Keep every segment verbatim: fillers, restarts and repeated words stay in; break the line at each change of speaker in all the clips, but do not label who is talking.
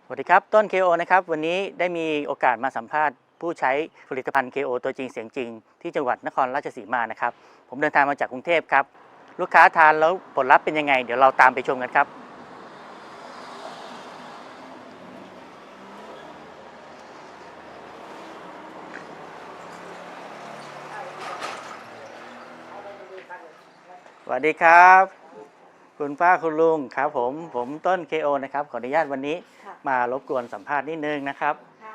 สวัสดีครับต้น เค โอ นะครับวันนี้ได้มีโอกาสมาสัมภาษณ์ผู้ใช้ผลิตภัณฑ์ เค โอ ตัวจริงเสียงจริงที่จังหวัดนครราชสีมานะครับผมเดินทางมาจากกรุงเทพครับลูกค้าทานแล้วผลลัพธ์เป็นยังไงเดี๋ยวเราตามไปชมกันครับสวัสดีครับคุณป้าคุณลุงครับผมผมต้น เค โอ นะครับขออนุญาตวันนี้มารบกวนสัมภาษณ์นิดนึงนะครับ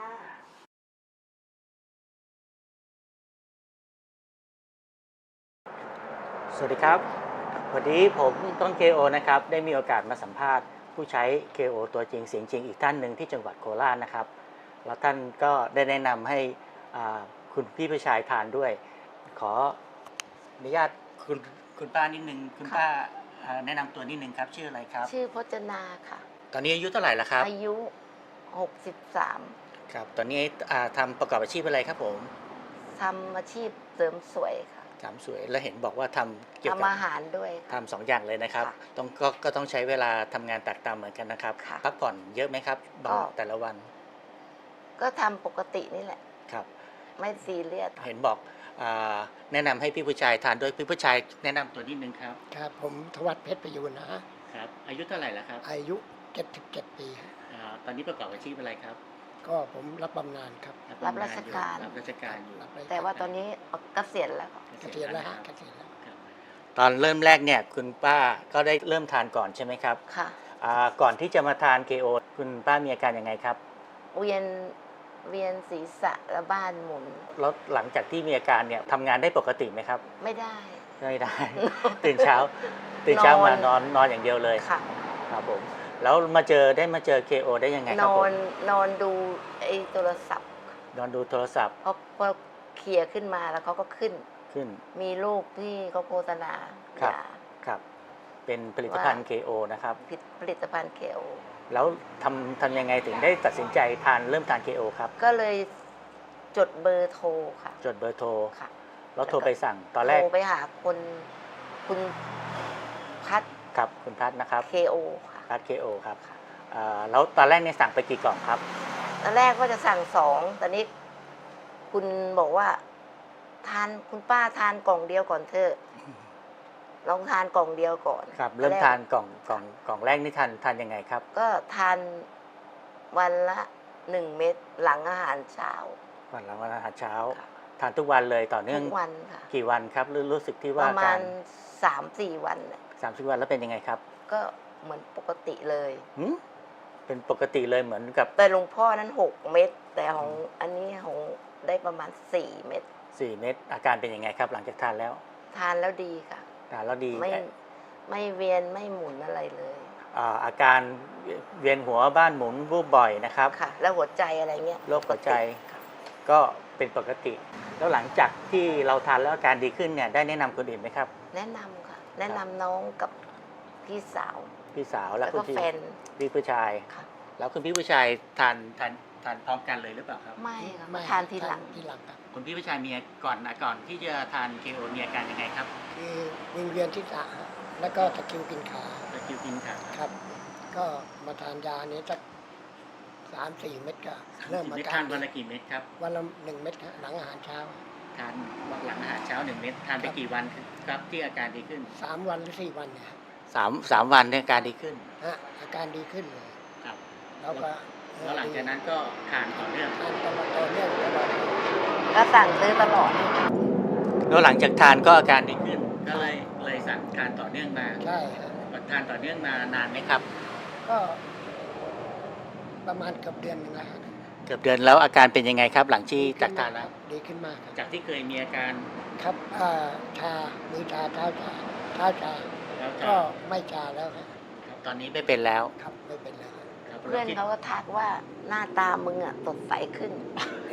สวัสดีครับวันนี้ผมต้น เค โอ นะครับได้มีโอกาสมาสัมภาษณ์ผู้ใช้ เค โอ ตัวจริงเสียงจริงอีกท่านหนึ่งที่จังหวัดโคราชนะครับแล้วท่านก็ได้แนะนำให้คุณพี่ผู้ชายทานด้วยขออนุญาตคุณคุณป้านิดนึงคุณป้าแนะนำตัวนิดนึงครับชื่ออะไรครับ
ชื่อพจนาค่ะ
ตอนนี้อายุเท่าไหร่แล้วครับ
อายุหกสิบสาม
ครับตอนนี้ทำประกอบอาชีพอะไรครับผม
ทำอาชีพเสริมสวยค่ะ
ทำสวยแล้วเห็นบอกว่าทำเกี่ยวกับ
ทำอาหารด้วย
ทำสองอย่างเลยนะครับต้องก็ก็ต้องใช้เวลาทำงานแตกต่างเหมือนกันนะครับพักผ่อนเยอะไหมครับแต่ละวัน
ก็ทำปกตินี่แหละ
ครับ
ไม่ซีเรียส
เห็นบอกแนะนำให้พี่ผู้ชายทานด้วยพี่ผู้ชายแนะนำตัวนิดนึงครับ
ครับผมทวัชเพชรประยูนนะครับ
อายุเท่าไหร่แล้วครับ
อายุเจ็ดสิบเจ็ดปี
ตอนนี้ประกอบอาชีพอะไรครับ
ก็ผมรับบำนาญครับ
รับราชการ
รับราชการอยู่
แต่ว่าตอนนี้เกษียณแล้ว
เกษียณแล้วฮะเกษียณแล้ว
ตอนเริ่มแรกเนี่ยคุณป้าก็ได้เริ่มทานก่อนใช่ไหมครับ
ค่ะ
ก่อนที่จะมาทาน เค โอ คุณป้ามีอาการยังไงครับ
เวียนเวียนศีรษะและบ้านหมุน
แล้วหลังจากที่มีอาการเนี่ยทำงานได้ปกติไหมครับ
ไม่ได้
ไม่ได้ตื่นเช้าตื่นเช้ามานอนนอนอย่างเดียวเลย
ค่ะ
ครับผมแล้วมาเจอได้มาเจอ เค โอ ได้ยังไงครับผม
นอนนอนดูไอ้โทรศัพท์
นอนดูโทรศัพท์
พอพอเคลียร์ขึ้นมาแล้วเขาก็ขึ้น
ขึ้น
มีรูปที่เขาโฆษณา
ครับครับเป็นผลิตภัณฑ์ เค โอ นะครับ
ผลิตภัณฑ์ เค โอ
แล้วทำทำยังไงถึงได้ตัดสินใจทานเริ่มทาน เค โอ ครับ
ก็เลยจดเบอร์โทรค่ะ
จดเบอร์โทร
ค่ะ
แล้วโทรไปสั่งตอนแรก
โทรไปหาคนคุณพัด
ครับคุณพัดนะครับ
เค โอ ค่ะ
พัด เค โอ ครับแล้วตอนแรกเนี่ยสั่งไปกี่กล่องครับ
ตอนแรกก็จะสั่งสองตอนนี้คุณบอกว่าทานคุณป้าทานกล่องเดียวก่อนเถอะลองทานกล่องเดียวก่อน
ครับเริ่มทานกล่องกล่องกล่องแรกนี่ทานทานยังไงครับ
ก็ทานวันละหนึ่งเม็ดหลังอาหารเช้า
วันหลังอาหารเช้าทานทุกวันเลยต่อเนื่อง
ทุกวันค่ะ
กี่วันครับรู้สึกที่ว่า
ประมาณสามสี่วัน
สามสิบวันแล้วเป็นยังไงครับ
ก็เหมือนปกติเลย
เป็นปกติเลยเหมือนกับ
แต่หลวงพ่อนั้นหกเม็ดแต่ของอันนี้ของได้ประมาณสี่เม็ด
สี่เม็ดอาการเป็นยังไงครับหลังจากทานแล้ว
ทานแล้วดีค่ะ
ทานแล้วดี
ไม่ไม่เวียนไม่หมุนอะไรเลย
อาการเวียนหัวบ้านหมุนวูบบ่อยนะครับ
ค่ะแล้วหัวใจอะไรเงี้ย
โรคหัวใจก็เป็นปกติแล้วหลังจากที่เราทานแล้วอาการดีขึ้นเนี่ยได้แนะนำคนอื่นไหมครับ
แนะนำค่ะแนะนำน้องกับพี่สาว
พี่สาวแล้ว
ก็แฟน
พี่ผู้ชายแล้วคุณพี่ผู้ชายทานทานทานพร้อมกันเลยหรือเปล่าครับ
ไม่ค่ะทานทีหลัง
ทีหลังครับ
คุณพี่ผู้ชายมีก่อนก่อนที่จะทาน เค โอ มีอาการยังไงครับ
คือวิงเวียนที่ศีรษะแล้วก็ตะคริวกินขา
ตะคริวกินขา
ครับก็มาทานยานี้สักสามสี่เม็ดก็เริ่ม
มาทานวันละกี่เม็ดครับ
วันละหนึ่งเม็ดหลังอาหารเช้า
ทานหลังอาหารเช้าหนึ่งเม็ดทานไปกี่วันครับที่อาการดีขึ้น
สามวันหรือสี่วันเนี่ย
สามสามวันเนี่ยอาการดีขึ้น
ฮะอาการดีขึ้นเลย
ครับ
แล้วก็
แล้วหลังจากนั้นก็ทานต่อเนื่อง
ทานตลอดต่อเนื่องตลอด
ก็สั่งซื้อตลอด
แล้วหลังจากทานก็อาการดีขึ้นก็เลยเลยสั่งทานต่อเนื่องมา
ใช่
ทานต่อเนื่องมานานไหมครับ
ก็ประมาณเกือบเดือนนึงแล้ว
เกือบเดือนแล้วอาการเป็นยังไงครับหลังที่จากทานแล้ว
ดีขึ้นมาก
จากที่เคยมีอาการ
ครับชามือชาเท้าชาเท้าชาก็ไม่ชาแล้วครับ
ตอนนี้ไม่เป็นแล้ว
ครับไม่เป็นแล้ว
เพื่อนเขาก็ทักว่าหน้าตามึงอ่ะสดใสขึ้น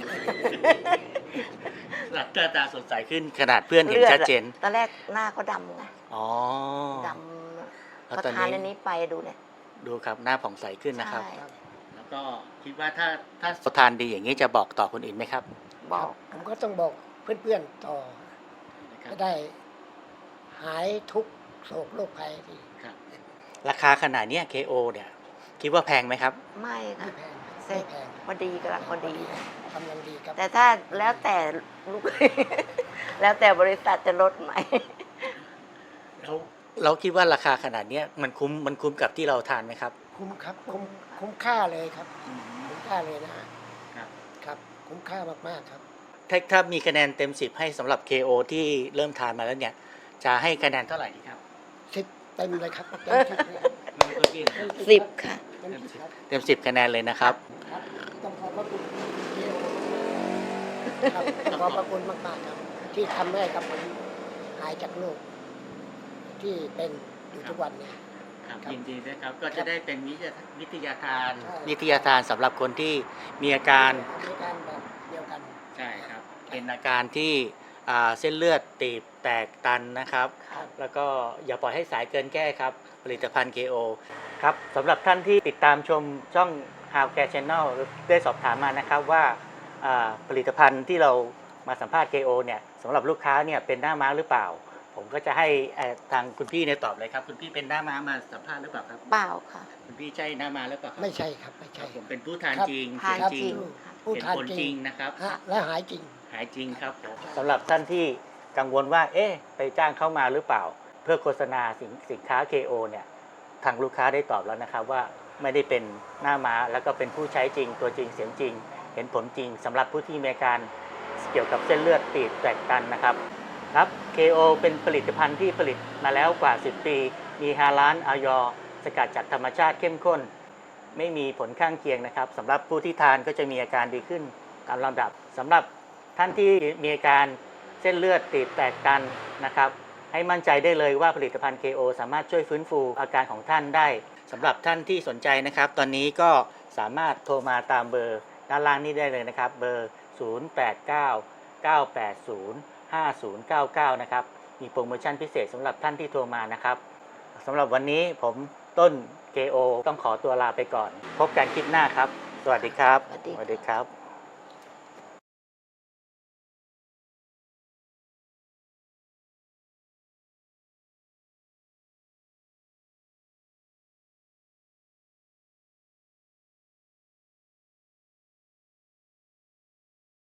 หลังตาสดใสขึ้นขนาดเพื่อนเห็นชัดเจน
ตอนแรกหน้าเขาดำไง
อ๋อ
ดำพอทานอันนี้ไปดูเนี่ย
ดูครับหน้าผ่องใสขึ้นนะครับแล้วก็คิดว่าถ้าถ้าทานดีอย่างนี้จะบอกต่อคนอื่นไหมครับ
บอก
ผมก็ต้องบอกเพื่อนๆต่อจะได้หายทุกโศกโรคภัยที่
ราคาขนาดนี้ เค โอ เนี่ยคิดว่าแพงไหมครับ
ไม่
ไม่
ค่ะ
แพง
เซ็
ไม่
ต
แพง
พอดีกำลังพอดี
กำลังดีครับ
แต่ถ้าแล้วแต่ลูก แล้วแต่บริษัทจะลดไหม
เราเราคิดว่าราคาขนาดเนี้ยมันคุ้มมันคุ้มกับที่เราทานไหมครับ
คุ้มครับคุ้มคุ้มค่าเลยครับ คุ้มค่าเลยนะฮะ
ครับ
ครับ คุ้มค่ามากๆครับ
ถ้าถ้ามีคะแนนเต็มสิบให้สำหรับ เค โอ ที่เริ่มทานมาแล้วเนี่ยจะให้คะแนนเท่าไหร่ดีครับ
สิบเต็มเลยครับเต็มสิบเลยครับ
สิบค่ะ
เต็มสิบครับ
เต็มสิบคะแนนเลยนะครับ
ครับต้องขอบพระคุณเจโอครับขอบพระคุณมากๆครับ ที่ทำให้กับผมหายจากโรคที่เป็นอยู่ทุกวันนี้
ครับ
ครับ
ยินดีด้วยครับก็จะได้เป็นวิทยาวิทยาทาน
ใช่
วิทยาทานสำหรับคนที่มีอาการ
มีการแบบเดียวกัน
ใช่ครับเป็นอาการที่อ่าเส้นเลือดตีบแตกตันนะครับ
ครับ
แล้วก็อย่าปล่อยให้สายเกินแก้ครับ ผลิตภัณฑ์ เค โอ ครับสำหรับท่านที่ติดตามชมช่อง How Care Channel ได้สอบถามมานะครับว่าอ่าผลิตภัณฑ์ที่เรามาสัมภาษณ์ เค โอ เนี่ยสำหรับลูกค้าเนี่ยเป็นหน้าม้าหรือเปล่า ผมก็จะให้เอ่อทางคุณพี่เนี่ยตอบเลยครับ คุณพี่เป็นหน้าม้ามาสัมภาษณ์หรือเปล่าครับ
เปล่าค่ะ
คุณพี่ใช่หน้าม้าหรือเปล่าครับ
ไม่ใช่ครับไม่
ค
ใช่
รับผมเป็นผู้ทาน
ครับ
จริง
ทาน
เสียง
จริง
ผู้
เห็น
ทาน
ผล
จ
จ
ริ
ริ
ง
งนะครับ
ฮะและหายจริง
หายจริงครับผมสำหรับท่านที่กังวลว่า เอ๊ะ ไปจ้างเข้ามาหรือเปล่า เพื่อโฆษณาสินสินค้า เค โอ เนี่ย ทางลูกค้าได้ตอบแล้วนะครับว่าไม่ได้เป็นหน้าม้า แล้วก็เป็นผู้ใช้จริง ตัวจริง เสียงจริง เห็นผลจริงสำหรับผู้ที่มีอาการเกี่ยวกับเส้นเลือดตีบแตกตันนะครับ ครับ เค โอ เป็นผลิตภัณฑ์ที่ผลิตมาแล้วกว่า สิบ ปี มีฮาลาลออยสกัดจากธรรมชาติเข้มข้น ไม่มีผลข้างเคียงนะครับสำหรับผู้ที่ทานก็จะมีอาการดีขึ้นตามลำดับสำหรับท่านที่มีอาการเส้นเลือดตีบแตกตันนะครับ ให้มั่นใจได้เลยว่าผลิตภัณฑ์ เค โอ สามารถช่วยฟื้นฟูอาการของท่านได้สำหรับท่านที่สนใจนะครับ ตอนนี้ก็สามารถโทรมาตามเบอร์ด้านล่างนี้ได้เลยนะครับ เบอร์ ศูนย์ แปด เก้า เก้า แปด ศูนย์ ห้า ศูนย์ เก้า เก้า นะครับมีโปรโมชั่นพิเศษสำหรับท่านที่โทรมานะครับสำหรับวันนี้ผมต้น เค โอ ต้องขอตัวลาไปก่อน พบกันคลิปหน้าครับ สวัสดีครับ
สวัสดีค่ะ
สวัสดีครับ